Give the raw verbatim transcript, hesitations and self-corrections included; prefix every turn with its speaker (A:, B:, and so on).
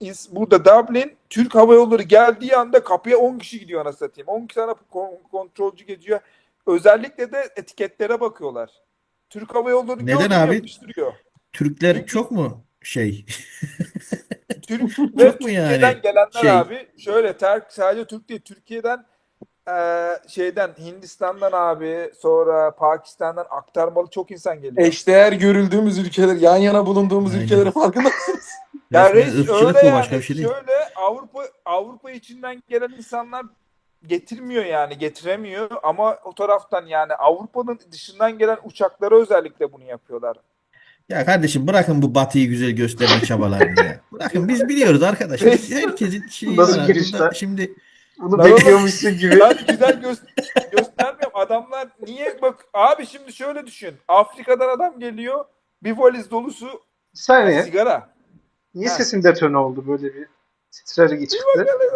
A: burada Dublin Türk Hava Yolları geldiği anda kapıya on kişi gidiyor anasını satayım. on tane kontrolcü geziyor. Özellikle de etiketlere bakıyorlar. Türk Hava Yolları
B: Neden
A: gördü mü
B: abi?
A: yapıştırıyor.
B: Türkler
A: Çünkü
B: çok mu şey?
A: Türk ve
B: Çok mu
A: Türkiye'den
B: yani
A: gelenler
B: şey?
A: abi şöyle ter, sadece Türk değil Türkiye'den eee, şeyden Hindistan'dan abi sonra Pakistan'dan aktarmalı çok insan geliyor.
C: Eşdeğer görüldüğümüz ülkeler, yan yana bulunduğumuz
B: Aynen.
C: ülkelerin farkındasınız.
A: Ya
B: Resmen
A: reis öyle
B: ırkçılık bu, başka bir
A: yani
B: şey değil.
A: şöyle Avrupa Avrupa içinden gelen insanlar getirmiyor yani getiremiyor ama o taraftan yani Avrupa'nın dışından gelen uçaklara özellikle bunu yapıyorlar.
B: Ya kardeşim, bırakın bu batıyı güzel gösterme çabalarını ya. Bırakın, biz biliyoruz arkadaş. Biz,
A: Reis
B: herkesin şeyi var
D: Nasıl
B: abi.
D: giriş
B: Burada
D: lan?
B: şimdi
D: Bunu
A: ben oğlum
D: bekliyormuşsun gibi.
A: ben güzel gö göstermiyorum. Adamlar niye bak abi şimdi şöyle düşün. Afrika'dan adam geliyor. Bir valiz dolusu
D: Bir
A: ha,
D: saniye.
A: sigara.
D: Niye
A: Ha.
D: sesim detone oldu, böyle bir titreri çıktı?